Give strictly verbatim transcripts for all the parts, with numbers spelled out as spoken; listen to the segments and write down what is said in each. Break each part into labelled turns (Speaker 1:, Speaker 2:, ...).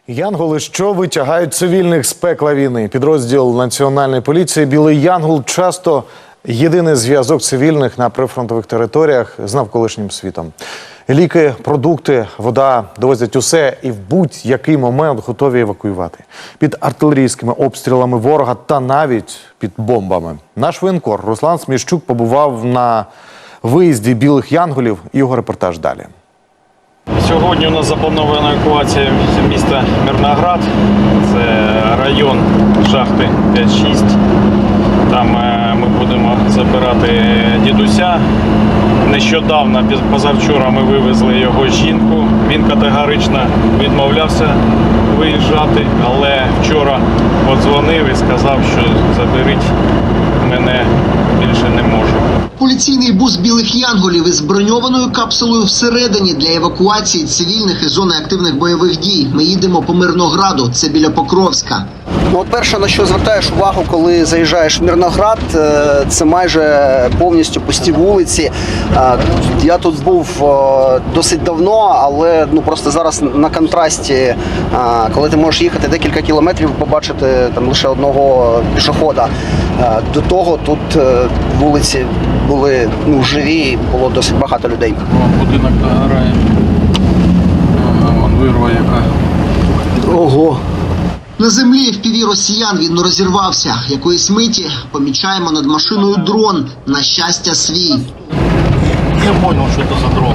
Speaker 1: Янголи, що витягають цивільних з пекла війни. Підрозділ Національної поліції «Білий Янгол» часто єдиний зв'язок цивільних на прифронтових територіях з навколишнім світом. Ліки, продукти, вода довозять усе і в будь-який момент готові евакуювати. Під артилерійськими обстрілами ворога та навіть під бомбами. Наш воєнкор Руслан Сміщук побував на виїзді «Білих Янголів». Його репортаж далі.
Speaker 2: Сьогодні у нас запланована евакуація з міста Мирноград. Це район шахти п'ять шість. Там ми будемо забирати дідуся. Нещодавно, позавчора, ми вивезли його жінку. Він категорично відмовлявся виїжджати, але вчора подзвонив і сказав, що заберіть мене, більше не можу.
Speaker 3: Поліційний бус «Білих Янголів» із броньованою капсулою всередині для евакуації цивільних із зони активних бойових дій. Ми їдемо по Мирнограду, це біля Покровська.
Speaker 4: Ну, от перше, на що звертаєш увагу, коли заїжджаєш в Мирноград, це майже повністю пусті вулиці. Я тут був досить давно, але ну просто зараз на контрасті, коли ти можеш їхати декілька кілометрів, побачити там лише одного пішохода. До того тут вулиці були ну, живі, було досить багато людей.
Speaker 2: О, будинок догорає. Вон вирва яка.
Speaker 4: Ого.
Speaker 3: На землі в піві росіян він розірвався. Якоїсь миті помічаємо над машиною дрон. На щастя, свій.
Speaker 2: Я зрозумів, що це за дрон.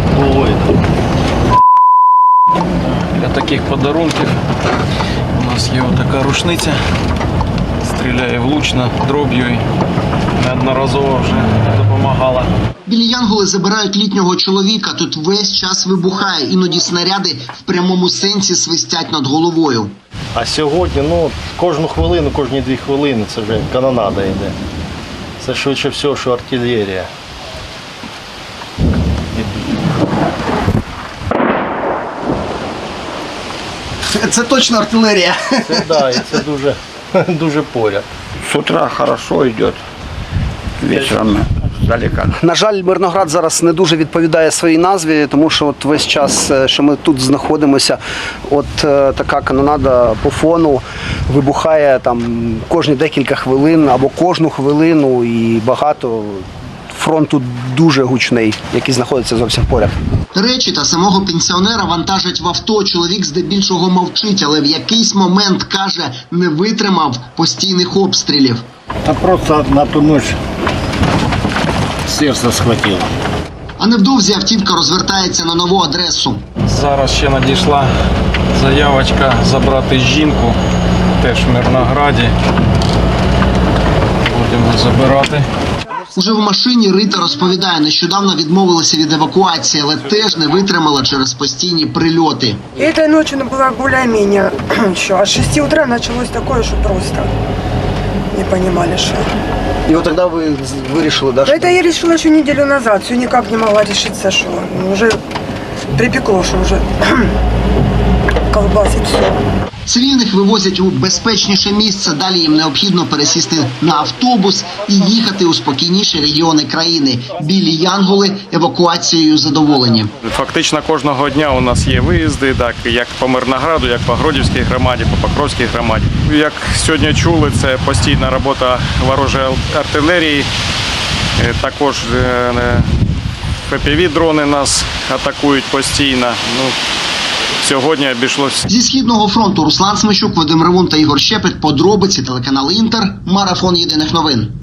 Speaker 2: Для таких подарунків у нас є така рушниця. Стріляє влучно, дроб'ю і неодноразово вже допомагала.
Speaker 3: Білі Янголи забирають літнього чоловіка. Тут весь час вибухає. Іноді снаряди в прямому сенсі свистять над головою.
Speaker 5: А сьогодні, ну, кожну хвилину, кожні дві хвилини це вже канонада йде. Це швидше всього, що артилерія.
Speaker 4: Це точно артилерія.
Speaker 5: Це, да, і це дуже, дуже поряд.
Speaker 6: С утра хорошо идет, вечером далеко.
Speaker 4: На жаль, Мирноград зараз не дуже відповідає своїй назві, тому що от весь час, що ми тут знаходимося, от е, така канонада по фону вибухає там кожні декілька хвилин або кожну хвилину, і багато. Фронт тут дуже гучний, який знаходиться зовсім поряд.
Speaker 3: Речі та самого пенсіонера вантажать в авто. Чоловік здебільшого мовчить, але в якийсь момент, каже, не витримав постійних обстрілів.
Speaker 6: А просто на ту ночь сердце схватило.
Speaker 3: А невдовзі автівка розвертається на нову адресу.
Speaker 2: Зараз ще надійшла заявочка забрати жінку, теж в Мирнограді. Будемо забирати.
Speaker 3: Уже в машині Рита розповідає, нещодавно відмовилася від евакуації, але теж не витримала через постійні прильоти.
Speaker 7: Этой ночью она была более-менее еще. А с шести утра началось такое, что просто не понимали, что.
Speaker 4: І от тоді ви вирішили, да, що...
Speaker 7: Это я решила еще неделю назад, все никак не могла решиться, что уже припекло, что уже колбасит все.
Speaker 3: Цивільних вивозять у безпечніше місце, далі їм необхідно пересісти на автобус і їхати у спокійніші регіони країни. Білі Янголи евакуацією задоволені.
Speaker 2: Фактично кожного дня у нас є виїзди, так, як по Мирнограду, як по Гродівській громаді, по Покровській громаді. Як сьогодні чули, це постійна робота ворожої артилерії, також еф пі ві-дрони нас атакують постійно. Ну, сьогодні обійшлося.
Speaker 3: Зі Східного фронту Руслан Сміщук, Вадим Ревун та Ігор Щепет. Подробиці, телеканал Інтер. Марафон єдиних новин.